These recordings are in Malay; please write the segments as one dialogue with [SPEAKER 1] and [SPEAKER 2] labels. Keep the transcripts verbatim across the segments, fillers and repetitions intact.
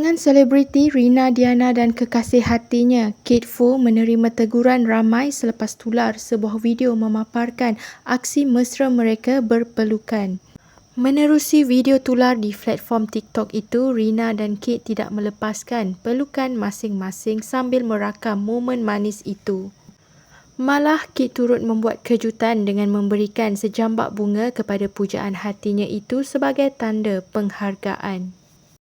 [SPEAKER 1] Pasangan selebriti Rina Diana dan kekasih hatinya Kate Fu menerima teguran ramai selepas tular sebuah video memaparkan aksi mesra mereka berpelukan. Menerusi video tular di platform TikTok itu, Rina dan Kate tidak melepaskan pelukan masing-masing sambil merakam momen manis itu. Malah, Kate turut membuat kejutan dengan memberikan sejambak bunga kepada pujaan hatinya itu sebagai tanda penghargaan.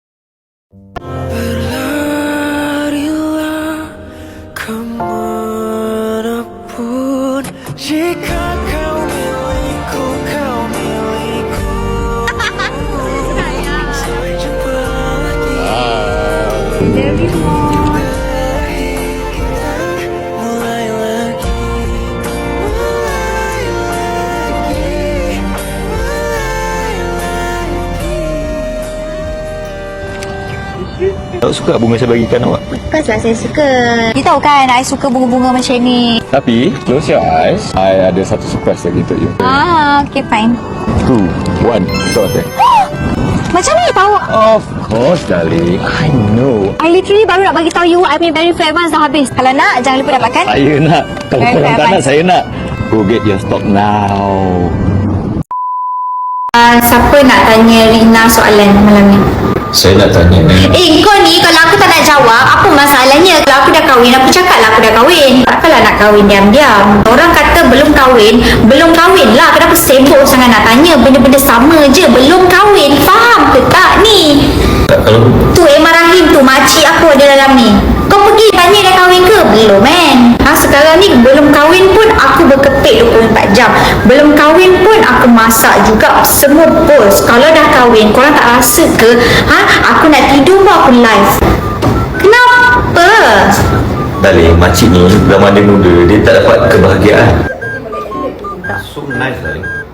[SPEAKER 2] Berlarilah kemanapun, jika kau milikku, kau milikku. Sampai jumpa lagi. Mulai lagi, mulai lagi, mulai lagi.
[SPEAKER 3] Awak suka bunga saya bagikan awak?
[SPEAKER 4] Of course lah saya suka. You tahu kan I suka bunga-bunga macam ni.
[SPEAKER 3] Tapi, close your eyes. I ada satu surprise lagi untuk you.
[SPEAKER 4] Ah, okay fine.
[SPEAKER 3] Two, one, start it.
[SPEAKER 4] Macam ni tahu?
[SPEAKER 3] Of course, darling. I know.
[SPEAKER 4] I literally baru nak bagi tahu you I punya very famous dah habis. Kalau nak jangan lupa dapatkan.
[SPEAKER 3] Saya nak. Kalau
[SPEAKER 4] Very
[SPEAKER 3] korang tak
[SPEAKER 4] famous.
[SPEAKER 3] nak, saya nak. Go get your stock now.
[SPEAKER 4] Uh, siapa nak tanya Rina soalan malam ni?
[SPEAKER 3] Saya nak tanya ni.
[SPEAKER 4] Eh kau ni kalau aku tak nak jawab apa masalahnya? Kalau aku dah kahwin aku cakap lah aku dah kahwin. Takkanlah nak kahwin diam-diam. Orang kata belum kahwin, belum kahwin lah. Kenapa sibuk sangat nak tanya benda-benda sama je? Belum kahwin, faham ke tak ni?
[SPEAKER 3] Tak, kalau
[SPEAKER 4] Tu Emma Rahim tu, makcik aku ada dalam ni. Kau pergi tanya dah kahwin ke? Belum man. Ha, sekarang ni belum kahwin pun aku berkepit dua puluh empat jam. Belum kahwin pun aku masak juga. Semua bos. Kalau dah kahwin, korang tak rasa ke? Ha, aku nak tidur pun aku live. Kenapa?
[SPEAKER 3] darling, makcik ni zaman dia muda, dia tak dapat kebahagiaan. So nice, darling.